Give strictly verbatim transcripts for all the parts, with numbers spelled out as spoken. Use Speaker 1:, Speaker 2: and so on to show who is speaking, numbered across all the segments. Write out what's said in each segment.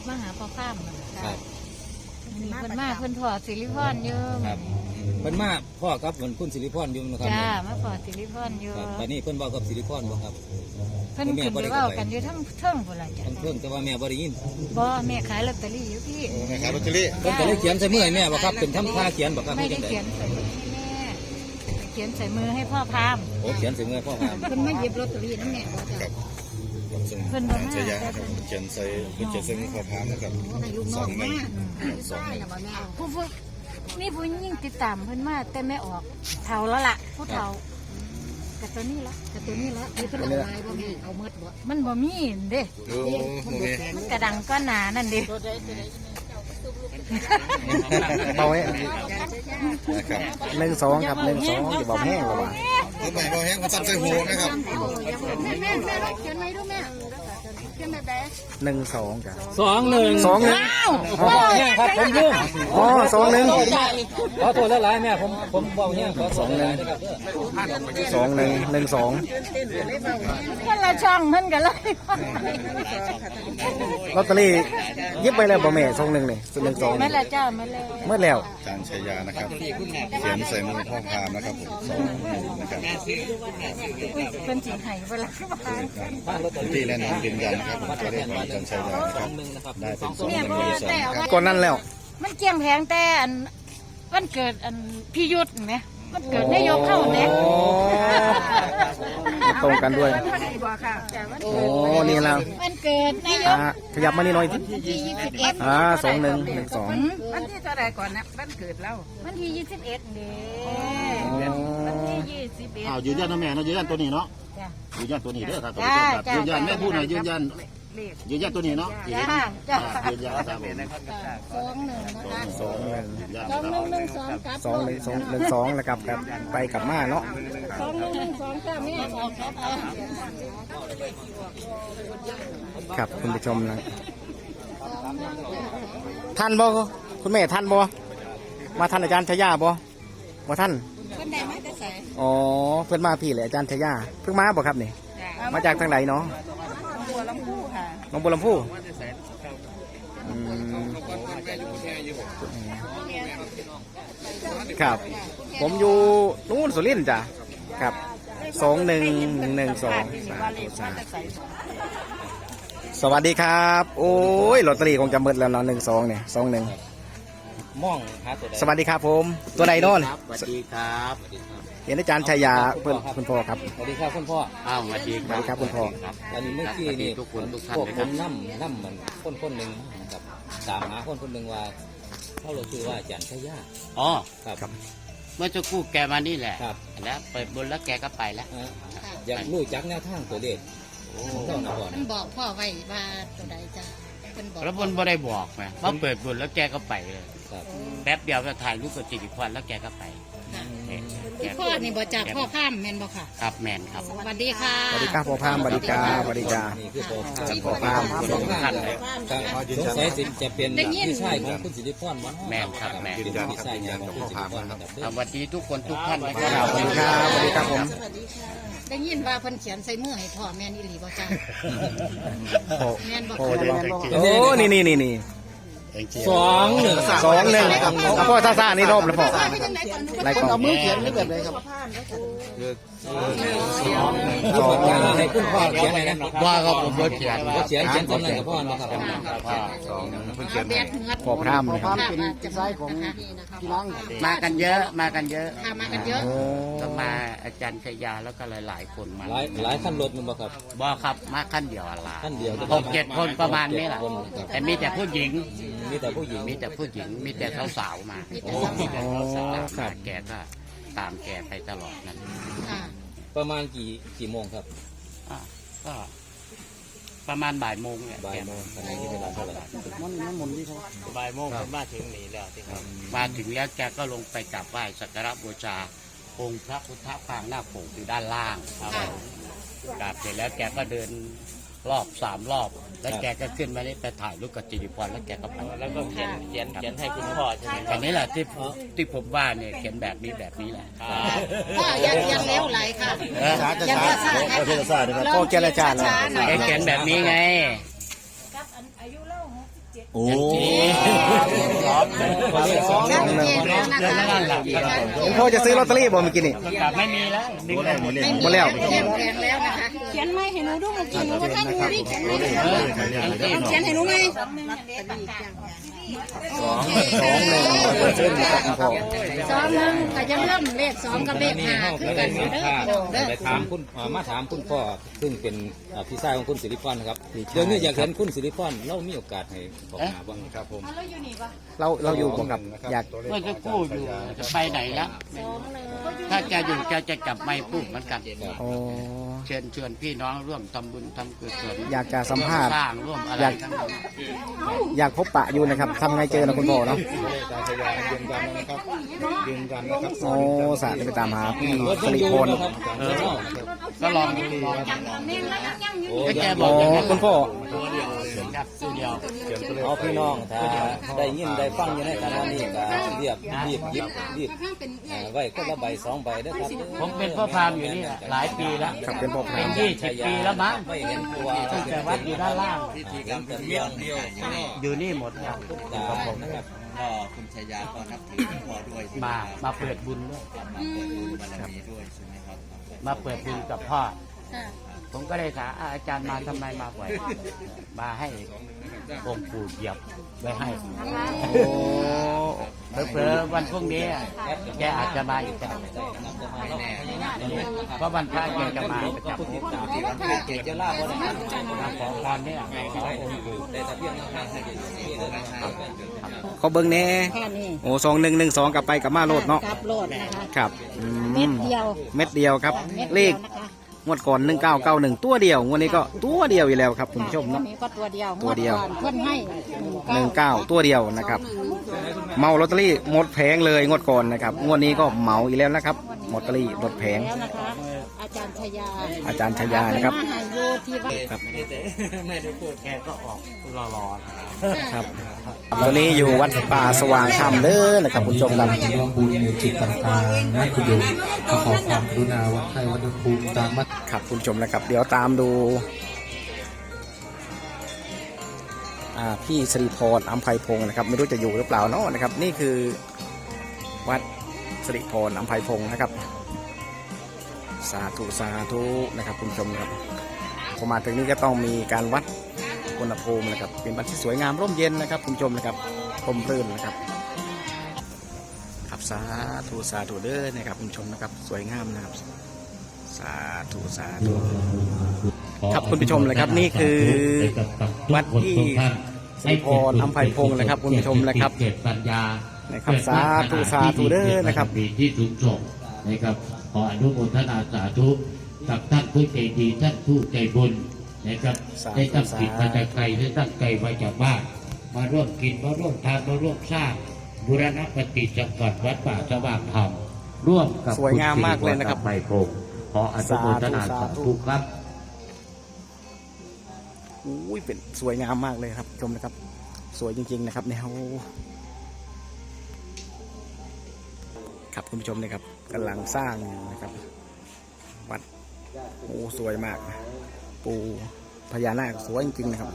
Speaker 1: มาหาพ่อข้าม
Speaker 2: ครับ
Speaker 1: มีเพิ่นมาเพิ่นพอสิริพรอยู่
Speaker 2: ครับเพิ่นมาพ่อครับเหมือนคุณสิริพรอยู่นะครับ
Speaker 1: จ้ามาพอสิริพรอยู่
Speaker 2: ครับวันนี้เพิ่นบอกกับสิริพรบ่ครับ
Speaker 1: เพิ่นขึ้นไปเว้ากันอยู่ทั้งเทิงพุ่นล่ะจ้ะ
Speaker 2: ทั้งเพิ่งแต่ว่าแม่บ่ได้ยิน
Speaker 1: บ่แม่ขายลอตเตอรี่อยู่พี่
Speaker 3: แม่ขายลอตเตอรี่
Speaker 2: เพิ่นก็เลยเขียนใส่มือให้แม่บ่ครับเป็นทำท่าเขียนบ่ครับ
Speaker 1: ไม่ได้เขียนใส่มือให้แม่เขียนใส่มือให้พ่อพาม
Speaker 2: โอ้เขียนใส่มือพ่อพาม
Speaker 1: เพิ่นมาหยิบลอตเตอรี่นั่นแม่บ่จ้ะ
Speaker 3: เพิ่นใช้ยาครับเขียนใส่เพิ่นเขียนใส่มือพ่อพามนะครับสองหนึ่งสองหนึ่ง
Speaker 1: ผู้ผู้นี่ผู้ยิ่งติดตามเพิ่นมาแต่ไม่ออกเฒ่าแล้วล่ะผู้เฒ่ากับตัวนี้ละกับตัวนี้ละมีเพิ่นเอาไว้บ่มีเอาหมดบ่มันบ่มีเด้
Speaker 3: โอ้โห
Speaker 1: มันกระดังก็หนานั่นเด้
Speaker 4: เบาแห้งหนึ่งสองครับหนึ่งสองจะเบาแห้งหรือเปล่า
Speaker 3: ตัวใหม่เบาแห้งมาตัดใส่หูนะครับ
Speaker 1: แม่แม่แม่เขียนไว้ดูแม่เขียนแบบไหน
Speaker 4: หนึ่งสองจ้ะ
Speaker 2: สองหนึ่ง
Speaker 4: สองหนึ่ง
Speaker 2: อ๋อเนี่ยครับผมลืม
Speaker 4: อ๋อสองหนึ่ง
Speaker 2: ขอโทษหลายๆแม่ผมผมเบาเนี่ยขอสองหนึ่ง
Speaker 4: สองหนึ่งหนึ่งสอง
Speaker 1: คนละช่องมันกันเลย
Speaker 4: ลอตเตอรี่ยิบไปแล้วบ่แม่สองหนึ่งนี่หนึ่งสอง
Speaker 1: ไม่ละเจ้าไม่เลย
Speaker 4: เมื่อแล้ว
Speaker 3: จานชัยยานะครับเขียนใส่มือพ่อพามนะครับผมสองหนึ่งนะครับ
Speaker 1: เป็นจิ๋งไห่เวลา
Speaker 3: ที่และน้องยืนยันนะครับผมก็เรียกว่าจานชัยยานะครับได้เป็นสองหนึ่งในสองครับ
Speaker 4: ก่อนนั้นแล้ว
Speaker 1: มันเกี่ยงแพงแต่อันวันเกิดอันพี่ยุทธไหมมันเกิดนายกเข้าเนี่ย
Speaker 4: ตรงกันด้วยโอ้นี่แล้ว
Speaker 1: มันเกิดนายก
Speaker 4: ขยับมานี่หน่อย
Speaker 1: วันที่ยี่สิบเอ็ด
Speaker 4: อ่าสองหนึ่งหนึ่งสอง
Speaker 1: วันที่เท่าไรก่อนนะวันเกิดเราวันที่ยี่สิบเอ็ดเด้วันที่ยี่สิบเอ็ด
Speaker 3: อ้าวยืนยันนะแม่นะยืนยันตัวนี้เนาะยืนยันตัวนี้เด้อครับยืนยันแม่พูดหน่อยยืนยันยืนยันตัวนี้เนาะ
Speaker 1: จ้าจ้า
Speaker 3: ยืนยันครับ
Speaker 1: สองหนึ่งนะคะ
Speaker 4: สองหนึ่ง
Speaker 1: สองหนึ่งหนึ่งสองกับ
Speaker 4: สองหนึ่งสองหนึ่งสองแล้วกับกับไปกับมาเนาะ
Speaker 1: สองหนึ่งหนึ่งสองจ้าแม่ออกครับ
Speaker 4: ครับคุณผู้ชมนะท่านบ่คุณแม่ท่านบ่มาท่านอาจารย์ชยาบ่บ่ท่าน
Speaker 1: เพิ่นได้มาแต่ไส
Speaker 4: อ๋อเพิ่นมาพี่เลยอาจารย์ชยาเพิ่งมาบ่ครับนี่มาจากทางไหนเนาะ
Speaker 1: บัวลำพูค่ะ
Speaker 4: น้องบัวลำพูครับผมอยู่นู่นสุรินทร์จ้ะครับสองหนึ่งหนึ่งสองสวัสดีครับโอ้ยลอตเตอรี่คงจะหมดแล้วเนาะหนึ่งสองเนี่ยสองหนึ่ง
Speaker 2: มองหาตัวใด
Speaker 4: สวัสดีครับผมตัวใดโน่น
Speaker 2: สวัสดีครับ
Speaker 4: เห็นอาจารย์ชัยยาเพื่อนคุณพ่อครับ
Speaker 2: สวัสดีครับคุณพ่อ
Speaker 4: อ้าวสวัสดีครับคุณพ่อ
Speaker 2: อันนี้เมื่อกี้นี่ทุกคนพวกผมนั่มนั่มเหมือนคนคนหนึ่งนะครับตามหาคนคนหนึ่งว่าเขาเราคือว่าอาจารย์ชัยยา
Speaker 5: อ๋อ
Speaker 2: ครับ
Speaker 5: เมื่อจะกู้แกมานี่แหละ
Speaker 2: ครับ
Speaker 5: แล้วไปบนแล้วแกก็ไปแล้ว
Speaker 2: อยากรู้จักแนวทางตัวเลข
Speaker 1: มันบอกพ่อไว้ว่าตัวใดจ้ะ
Speaker 5: แล้วบนบ่ได้บอกไงว่าเปิดบนแล้วแกก็ไปเลยแป๊บเดียวก็ถ่ายรูปกับจิตวิพรแล้วแกก็ไป
Speaker 1: พ่อนี่บ่จากพ่อข้ามแมนบ่ค่ะ
Speaker 5: ครับแมนครับ
Speaker 1: สวัสดีค่ะ
Speaker 4: สวัสดีครับพ่อข้ามสวัสดีจ้าสวัสดีจ้าพ่อข้าม
Speaker 2: สองท่านเลยสงสัยจะเป็นพี่ชายของคุณสิริพรมั้ง
Speaker 5: แมนครับแมน
Speaker 2: พี่ชายของคุณสิริพรครับ
Speaker 5: สวัสดีทุกคนทุกท่านนะครับ
Speaker 4: สวัสดีครับสวัสดีครับผม
Speaker 1: ได้ยินว่าเพิ่นเขียนใส่มือให้พ่อแม่นอีหลีบ่จ้าแม่นบ่
Speaker 4: โอ้นี่นี่นี่นี่
Speaker 2: สองหนึ่ง
Speaker 4: สองหนึ่งพ่อซ่าซ่านี่รอบแล้วพ่อ
Speaker 1: ไร
Speaker 4: ก่อน
Speaker 1: เอามือเขียนนี่แบบไหนครับ
Speaker 2: สองให้คุณพ่อเขียนอะไรนะ
Speaker 5: ว่าก็ผมเขียน
Speaker 2: เขียนเขียนตำแหน่งกับพ่อนะครับ
Speaker 3: สองเพิ่งเขียน
Speaker 4: พ่อพรามนะครับ
Speaker 1: เป็นไส้ของพี่น้อง
Speaker 5: มากันเยอะมากันเยอะ
Speaker 1: มากันเยอะ
Speaker 5: ก็มาอาจารย์ชยาแล้วก็หลายๆคนมา
Speaker 2: หลายหลายขั้นรถมันบ่ครับ
Speaker 5: บ่ครับมาขั้นเดียวอะไร
Speaker 2: ขั้นเดียว
Speaker 5: หกเจ็ดคนประมาณนี้แหละแต่มีแต่ผู้หญิง
Speaker 2: มีแต่ผู้หญิง
Speaker 5: มีแต่ผู้หญิงมีแต่สาวๆมามีแต่สาวๆมาแกก็ตามแกไปตลอดนั่น
Speaker 2: ประมาณกี่กี่โมงครับ
Speaker 5: ก็ประมาณบ่ายโมงเนี่ย
Speaker 2: บ่ายโมงตอนนี้เวลาเท่าไหร่
Speaker 5: มันมันหมุนที่เขาบ่ายโมงผมมาถึงนี่แล้วที่ครับมาถึงแล้วแกก็ลงไปกราบไหว้สักการะบูชาองค์พระพุทธปางหน้าโขงอยู่ด้านล่างครับกราบเสร็จแล้วแกก็เดินรอบสามรอบแล้วแกก็ขึ้นมานี่ไปถ่ายรูปกับจิริพรแล้วแกก็ไปแล้วก็เขียนเขียนเขียนให้คุณพ่อใช่ไหมอันนี้แหละที่ที่ผมว่าเนี่ยเขียนแบบนี้แบบนี้แหละ
Speaker 1: พ่อยังยังเลี้ยวไหลค่ะ
Speaker 3: ยังภาษาภาษา
Speaker 4: พ่อเจรจาเนาะ
Speaker 5: เขียนแบบนี้ไง
Speaker 1: กับอายุเล่าหกสิบเจ็ด
Speaker 2: โอ้
Speaker 5: สองหนึ่ง
Speaker 2: ตัวเลขสองหนึ่ง
Speaker 1: เจ๊แล้วนะ
Speaker 5: เดือนละ
Speaker 1: คะ
Speaker 5: ล้านหลักครับผม
Speaker 4: หลวงพ่อจะซื้อลอตเตอรี่บ่เมื่อกี้นี่
Speaker 5: ประกาศไม่มีแล้วดึงได้หมดเลย
Speaker 4: หมดแล้ว
Speaker 1: เขียนแพงแล้วนะคะเขียนไม่ให้หนูดูเมื่อกี้หนูว่าท่านหนูนี่เขียนไม่ให้หนูเขียนให้หนูไหม
Speaker 2: สอง
Speaker 4: สองหนึ่งเส้นครับหลวงพ่อ
Speaker 1: สองหนึ่งก็จะเริ่มเลขสองกับเลขห้าคือกัน
Speaker 2: เด้
Speaker 1: เด้อ
Speaker 2: อ
Speaker 1: เด้อ
Speaker 2: ไปถามคุณเอ่อมาถามคุณพ่อซึ่งเป็นเอ่อพี่ชายของคุณสิริพรนะครับเดี๋ยวนี้อยากเห็นคุณสิริพรเรามีโอกาสให้บอกหาบ้างครับผม
Speaker 4: เราเราอยู่บ่กับอยาก
Speaker 5: เมื่อจะกู้อยู่จะไปไหนแล้วถ้าจะอยู่จะจะจับไม้พูดเหมือนกัน
Speaker 4: อ๋อ
Speaker 5: เชิญชวนพี่น้องร่วมทำบุญทำกุศล
Speaker 4: อยากจะสัมภาษณ์
Speaker 5: สร้างร่วมอะไร
Speaker 4: อยาก
Speaker 5: ทั้งหมด
Speaker 4: อยากพบปะอยู่นะครับทำไงเจอนะคุณพ่อเนาะ
Speaker 3: การชายายืนยันนะครับยืนยันนะครับ
Speaker 4: โอ้สาธุไปตามหาพี่สิริพร
Speaker 2: เออ
Speaker 5: ก็ลองดูลอง
Speaker 2: โอ้
Speaker 5: ก็แก
Speaker 2: ย
Speaker 5: บ
Speaker 4: อ๋
Speaker 5: อ
Speaker 4: อก
Speaker 5: อย่างนั้น
Speaker 4: คุณพ่อ
Speaker 5: ตัวเดียวครับตัวเดียว
Speaker 2: เอาพี่น้องถ้าได้ยินได้ฟังอยู่ในขณะนี้ก็เรียบรีบหยิบรีบเอ่อไว้ก็ละใบสองใบเด้อครับ
Speaker 5: ผมเป็นพ่อพราหมณ์อยู่นี่หลายปีแล้ว
Speaker 4: ครับเป็นพ่อพ
Speaker 5: เป็
Speaker 4: ราน ม
Speaker 5: ยี่สิบปีแล้วมั้ง
Speaker 2: ไม่เห็นตัว
Speaker 5: ตั้งแต่วัดอยู่ด้านล่าง
Speaker 2: พิธีกรรมแต่เพียงเดียว
Speaker 5: อยู่นี่หมดครับ
Speaker 2: ตาผมนะครับ
Speaker 6: ก็คุณชายาก็นับถือหลวงพ่อด้วยใช่ไหม
Speaker 5: มา
Speaker 6: ครับ
Speaker 5: มาเปิดบุญด้วย
Speaker 6: มาเปิดบุญบารมีด้วยใช่ไหมครับ
Speaker 5: มาเปิดบุญกับพ่อ ผมก็เลยถามอ่าอาจารย์มาทำไมมาบ่อยมาให้องค์ปู่เหยียบไว้ให้
Speaker 4: โอ้
Speaker 5: เผลอๆวันพรุ่งนี้แกอาจจะมาอีกแต่
Speaker 6: ไม่แน่
Speaker 5: เพราะวันพระแกจะมาประจำ
Speaker 2: ผู้ติดตามที่มันเกจจะล่าบ่ได้
Speaker 5: มาขอพรเนี่ยขอองค์ปู่
Speaker 2: ได้แต่เพียงแค่ให้เกจนี่เลยนะครับ
Speaker 4: เขาเบิ่งแน่
Speaker 1: แค่นี้
Speaker 4: โอ้สองหนึ่งหนึ่งสองกลับไปกลับมาโลดเนาะ
Speaker 1: กลับโลดนะคะ
Speaker 4: ครับอื
Speaker 1: เม็ดเดียว
Speaker 4: เม็ดเดียวครับ
Speaker 1: เม็ด
Speaker 4: เล
Speaker 1: เดีย
Speaker 4: ข
Speaker 1: วนะคะ
Speaker 4: งวดก่อนหนึ่งเก้าเก้าหนึ่งตัวเดียวงวดนี้ก็ตัวเดียวอยู่แล้วครับคุณผู้ชม
Speaker 1: วั
Speaker 4: เนาะ
Speaker 1: นนี้ก็ตัวเดียว
Speaker 4: ตัวเดียว
Speaker 1: งก่อนเพื่อนให้
Speaker 4: หนึ่งเก้าตัวเดียวนะครับ เมาลอตเตอรี่หมดแผงเลยงวดก่อนนะครับงวดนี้ก็เหมาอีกแล้วนะครับลอตเตอรี่หมดแผง
Speaker 1: แล้วนะคะ อาจารย์ชยา
Speaker 4: อาจารย์ชยานะครับ
Speaker 1: มาหาอยู่ที่วัด
Speaker 4: ครับ
Speaker 5: ไม่ได้พูดแกก็ออกรอๆ
Speaker 4: ครับตอนนี้อยู่วัดป่าสว่างธรรมเด้อนะครับคุณผู้ชมครับ
Speaker 7: ร่วมบุญในจิตต่างๆนั่นคืออยู่ขอความกรุณาวัดไทยวัดภูมิตามมัด
Speaker 4: ครับคุณผู้ชมนะครับ เดี๋ยวตามดูอ่าพี่สิริพรอัมไพพงศ์นะครับ ไม่รู้จะอยู่หรือเปล่าเนาะนะครับ นี่คือวัดสิริพรอัมไพพงศ์นะครับ สาธุสาธุนะครับคุณผู้ชมครับพอมาถึงนี้ก็ต้องมีการวัดอุณหภูมินะครับ เป็นวัดที่สวยงามร่มเย็นนะครับคุณผู้ชมนะครับร่มรื่นนะครับครับสาธุสาธุเด้อนะครับคุณผู้ชมนะครับ สวยงามนะครับ สาธุสาธุ ครับคุณผู้ชมเลยครับนี่คือวัดที่สิริพรอัมไพพงศ์นะครับคุณผู้ชมนะครับ
Speaker 8: เกิดปัญญา
Speaker 4: นะครับสาธุสาธุเด้อนะครับ
Speaker 8: มีที่สูงส่งนะครับขออนุโมทนาสาธุกับท่านผู้ใจดีท่านผู้ใจบุญนะครับ
Speaker 4: สาธุ
Speaker 8: ได้ตั้งจิตมาจากไกลได้ตั้งใจมาจากบ้านมาร่วมกินมาร่วมทานมาร่วมสร้างบูรณปฏิสังขรณ์วัดป่าสว่างธรรมร่วมกับ
Speaker 4: สวยงามมากเลยนะครับ
Speaker 8: ณสิริพรอัมไพพงศ์ขออนุโมทนาสาธุครับ
Speaker 4: อุ้ยเป็นสวยงามมากเลยครับชมนะครับ สวยจริงๆนะครับแนวครับคุณผู้ชมนะครับกำลังสร้างอยู่นะครับวัดโอ้สวยมาก ปูพญานาคสวยจริงๆนะครับ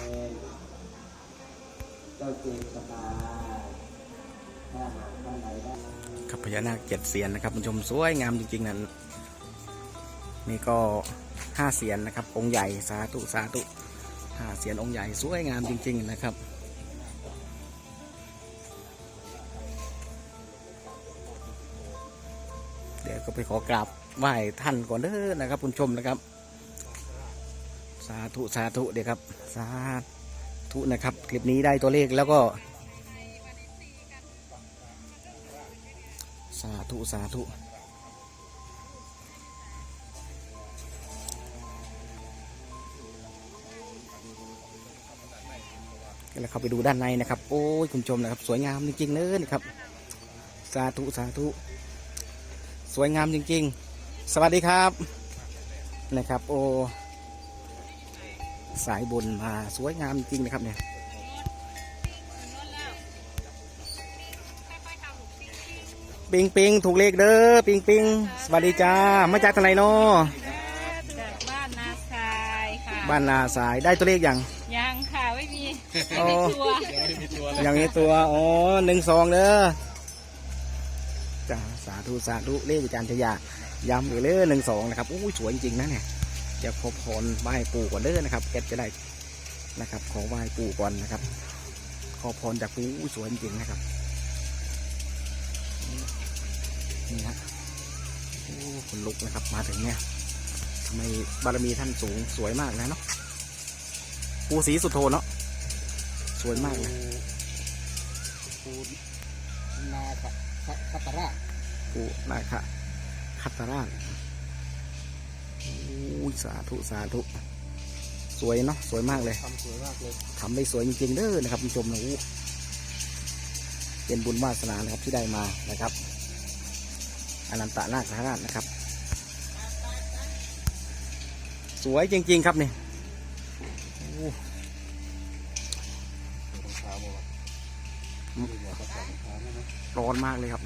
Speaker 4: ครับพญานาคเจ็ดเสียนนะครับคุณผู้ชมสวยงามจริงๆนั่นนี่ก็ห้าเสียนนะครับองค์ใหญ่สาธุสาธุห้าเสียนองค์ใหญ่สวยงามจริงๆนะครับเดี๋ยวก็ไปขอกราบไหว้ท่านก่อนเด้อนะครับคุณผู้ชมนะครับสาธุสาธุเดี๋ยวครับสาธุนะครับคลิปนี้ได้ตัวเลขแล้วก็สาธุสาธุแล้วเข้าไปดูด้านในนะครับโอ้ยคุณผู้ชมนะครับสวยงามจริงๆเลยนะครับสาธุสาธุสวยงามจริงๆสวัสดีครับนะครับโอ้สายบุญมาสวยงามจริงนะครับเนี่ยปิงปิงถูกเลขเด้อปิงปิงสวัสดีจ้ามาจากทางไหนเนาะ
Speaker 9: จากบ้านนาทรายค่ะ
Speaker 4: บ้านนาสายได้ตัวเลขยัง
Speaker 9: ยังค่ะไม่มี
Speaker 4: โอ้ยังมีตัวอ๋อหนึ่งสองเด้อจ้าสาธุสาธุเลขอาจารย์ชยาย้ำอีกเลยหนึ่งสองนะครับอู้สวยจริงๆนะเนี่ยจะขอพรไหว้ปู่ก่อนเด้อนะครับแกจะได้นะครับขอไหว้ปู่ก่อนนะครับขอพรจากปู่อู้สวยจริงๆนะครับนี่ฮะโอ้คนลุกนะครับมาถึงเนี่ยทำไมบารมีท่านสูงสวยมากนะเนาะปู่ศรีสุโธเนาะสวยมากเลยปู่นาคคัตตราชปู่นาคคัตตราชโอ้ยสาธุสาธุสวยเนาะสวยมากเลยทำสวยมากเลยทำได้สวยจริงๆเด้อนะครับผู้ชมนะอู้เป็นบุญวาสนานะครับที่ได้มานะครับอนันตนาคราชนะครับสวยจริงๆครับนี่ร้อนมากเลยครับ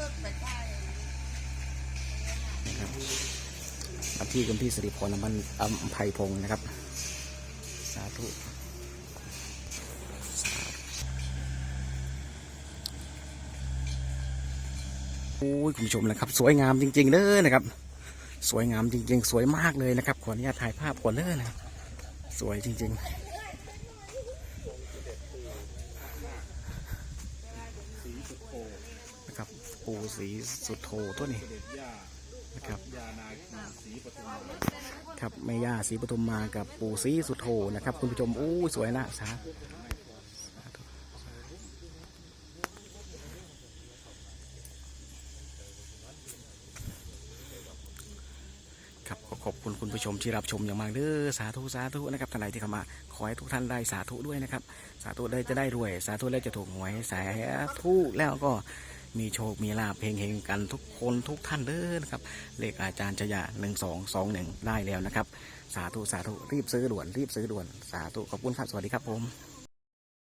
Speaker 4: นะครับมาที่คุณพี่สิริพรอมันอัมไพพงศ์นะครับสาธุโอ้ยคุณผู้ชมนะครับสวยงามจริงๆเลยนะครับสวยงามจริงๆสวยมากเลยนะครับขออนุญาตถ่ายภาพก่อนเลยนะสวยจริงๆนะครับปู่ศรีสุโธตัวนี้นะครับครับแม่ย่าศรีปทุมมากับปู่ศรีสุโธนะครับคุณผู้ชมโอ้สวยนะสาครับขอบคุณคุณผู้ชมที่รับชมอย่างมากเด้อสาธุสาธุนะครับท่านใดที่เข้ามาขอให้ทุกท่านได้สาธุด้วยนะครับสาธุได้จะได้รวยสาธุได้จะถูกหวยสาธุแล้วก็มีโชคมีลาภเฮงๆกันทุกคนทุกท่านเด้อนะครับเลขอาจารย์ชยาหนึ่งสองสองหนึ่งได้แล้วนะครับสาธุสาธุรีบซื้อด่วนรีบซื้อด่วนสาธุขอบคุณครับสวัสดีครับผม